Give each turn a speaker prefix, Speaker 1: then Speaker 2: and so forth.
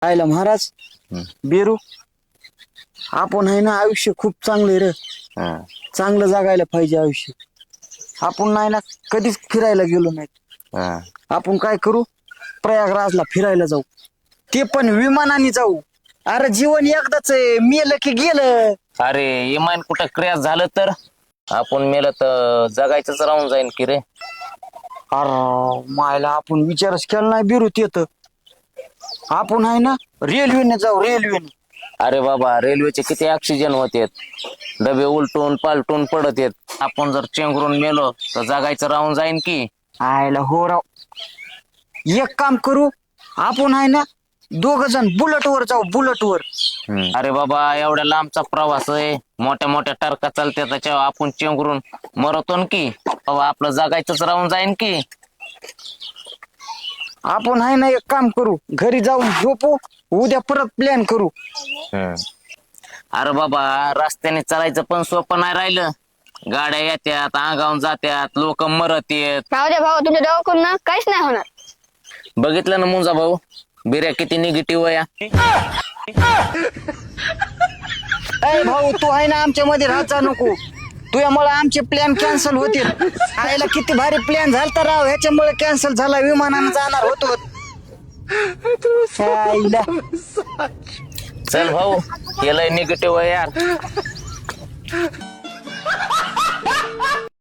Speaker 1: आयला महाराज बेरू आपण आहे ना आयुष्य खूप चांगलं रे. चांगलं जगायला पाहिजे आयुष्य. आपण नाही ना कधीच फिरायला गेलो नाही. आपण काय करू प्रयागराजला फिरायला जाऊ ते पण विमानाने जाऊ. अरे जीवन एकदाच आहे मेलं की गेलं.
Speaker 2: अरे इमान कुठं क्रॅश झालं तर आपण मेलं तर जगायचंच राहून जाईन की रे.
Speaker 1: अरे मायला आपण विचारच केला नाही बिरूत येत. आपण आहे ना रेल्वेने जाऊ रेल्वेने.
Speaker 2: अरे बाबा रेल्वेचे किती ऑक्सिजन होते डबे उलटून पालटून पडत येत. आपण जर चेंगरून मेलो तर जगायचं राहून जाईन की.
Speaker 1: आयला हो राव. एक काम करू आपण आहे ना दोघ जण बुलेटवर जाऊ बुलेटवर.
Speaker 2: अरे बाबा एवढ्या लांबचा प्रवास आहे मोठ्या मोठ्या टारका चालते त्याच्यावर आपण चेंगरून मरतो न की. बाबा आपलं जगायचंच राहून जाईन की.
Speaker 1: आपण आहे ना एक काम करू घरी जाऊन झोपू उद्या परत प्लॅन करू.
Speaker 2: अरे बाबा रस्त्याने चालायचं पण सोपं नाही राहिलं. गाड्या येत्यात अंगावून जात्यात लोक मरत येत.
Speaker 3: राहू द्या भाऊ तुमच्या दवाखान्यात ना काहीच नाही होणार.
Speaker 2: बघितलं ना मुंजा भाऊ बिर्या किती निगेटिव्ह आहे.
Speaker 1: अय भाऊ तू आहे ना आमच्या मध्ये राहायचा नको. तुझ्यामुळे आमचे प्लॅन कॅन्सल होतील. आयला किती भारी प्लॅन झालता राव ह्याच्यामुळे कॅन्सल झाला. विमानानं जाणार होतो. आईला.
Speaker 2: चल भाऊ केलंय निगेटिव्ह आहे यार.